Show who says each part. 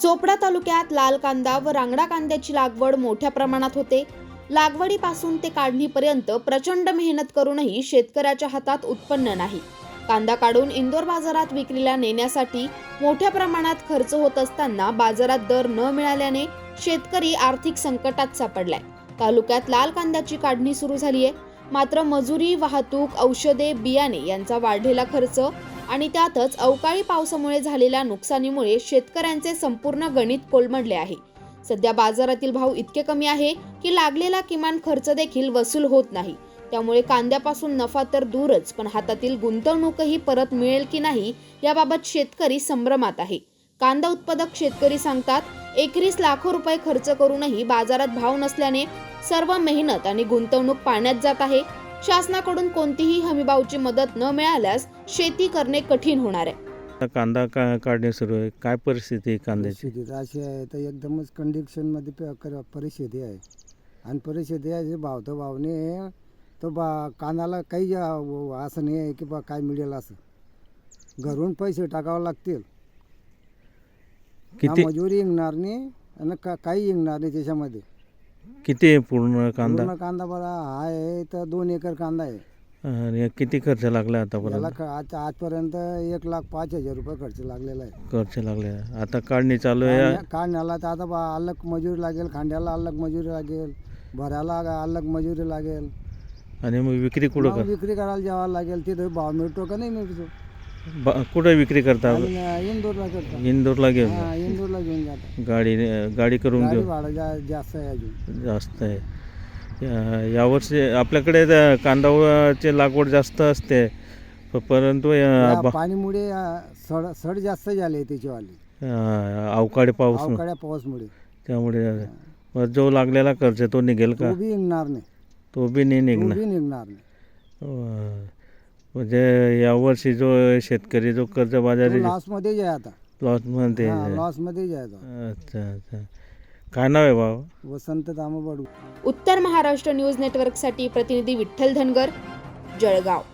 Speaker 1: चोपडा तालुक्यात लाल कांदा व रांगडा कांद्याची लागवड मोठ्या प्रमाणात होते. लागवडीपासून ते काढणीपर्यंत प्रचंड मेहनत करूनही शेतकऱ्याच्या हातात उत्पन्न नाही. कांदा काढून इंदोर बाजारात विक्रीला नेण्यासाठी मोठ्या प्रमाणात खर्च होत असताना बाजारात दर न मिळाल्याने शेतकरी आर्थिक संकटात सापडलाय. तालुक्यात लाल कांद्याची काढणी सुरू झाली आहे, मात्र मजुरी, वाहतूक, औषधे, बियाणे यांचा वाढलेला खर्च आणि त्यातच अवकाळी पावसामुळे झालेल्या नुकसानीमुळे शेतकऱ्यांचे संपूर्ण गणित कोलमडले आहे. सध्या बाजारातील भाव इतके कमी आहे की लागलेला किमान खर्च देखील वसूल होत नाही. त्यामुळे कांद्यापासून नफा तर दूरच, पण हातातील गुंतवणूकही परत मिळेल की नाही याबाबत शेतकरी संभ्रमात आहे. कांदा उत्पादक शेतकरी सांगतात, एकरीस लाखो रुपये खर्च करूनही बाजारात भाव नसल्याने सर्व मेहनत आणि गुंतवणूक पाण्यात जात आहे. शासनाकडून कोणतीही हमीभावची मदत न मिळाल्यास शेती करणे कठीण होणार आहे.
Speaker 2: कांदा काढणे सुरू आहे. काय परिस्थिती आहे कांद्याची?
Speaker 3: परिस्थिती अशी आहे तर एकदमच कंडिशनमध्ये परिस्थिती आहे. आणि परिस्थिती आहे भाव तर भावने तो कांद्याला काही असं नाही आहे की काय मिळेल असं. घरून पैसे टाकावे लागतील,
Speaker 2: किती
Speaker 3: मजुरी इंगणार नाही आणि काही इंगणार नाही त्याच्यामध्ये.
Speaker 2: किती आहे पूर्ण कांदा?
Speaker 3: पूर्ण कांदा बघा आहे तर 2 एकर कांदा आहे.
Speaker 2: आणि किती खर्च लागला आतापर्यंत?
Speaker 3: याला आजपर्यंत 1,05,000 रुपये खर्च लागलेला आहे.
Speaker 2: खर्च लागले. आता काढणी चालू आहे.
Speaker 3: काढण्याला तर आता अलग मजुरी लागेल, खांद्याला अलग मजुरी लागेल, भरायला अलग मजुरी लागेल.
Speaker 2: आणि मग विक्री कुठं कर?
Speaker 3: विक्री करायला जावं लागेल. तिथे भाव मिळतो का नाही मिळतो?
Speaker 2: कुठं विक्री करता?
Speaker 3: इंदोरला करतो.
Speaker 2: इंदोरला घेऊन
Speaker 3: इंदोरला घेऊन जातो.
Speaker 2: गाडी करून घेऊ.
Speaker 3: भाडं जास्त आहे अजून.
Speaker 2: जास्त आहे. यावर्षी आपल्याकडे कांदाची लागवड जास्त असते, परंतु
Speaker 3: पाणीमुळे सड जास्त झाले त्याच्यावाली.
Speaker 2: अवकाळी
Speaker 3: पाऊसमुळे
Speaker 2: त्यामुळे जो लागलेला खर्च तो निघेल का?
Speaker 3: तो बी निघणार नाही.
Speaker 2: तो बी नाही निघणार. म्हणजे यावर्षी जो शेतकरी जो कर्जबाजारी
Speaker 3: लॉसमध्ये आहे आता.
Speaker 2: लॉसमध्ये
Speaker 3: आहे आता.
Speaker 2: अच्छा. काय नाव आहे भाऊ?
Speaker 3: वसंत दामोबडू.
Speaker 1: उत्तर महाराष्ट्र न्यूज नेटवर्कसाठी प्रतिनिधी विठ्ठल धनगर, जळगाव.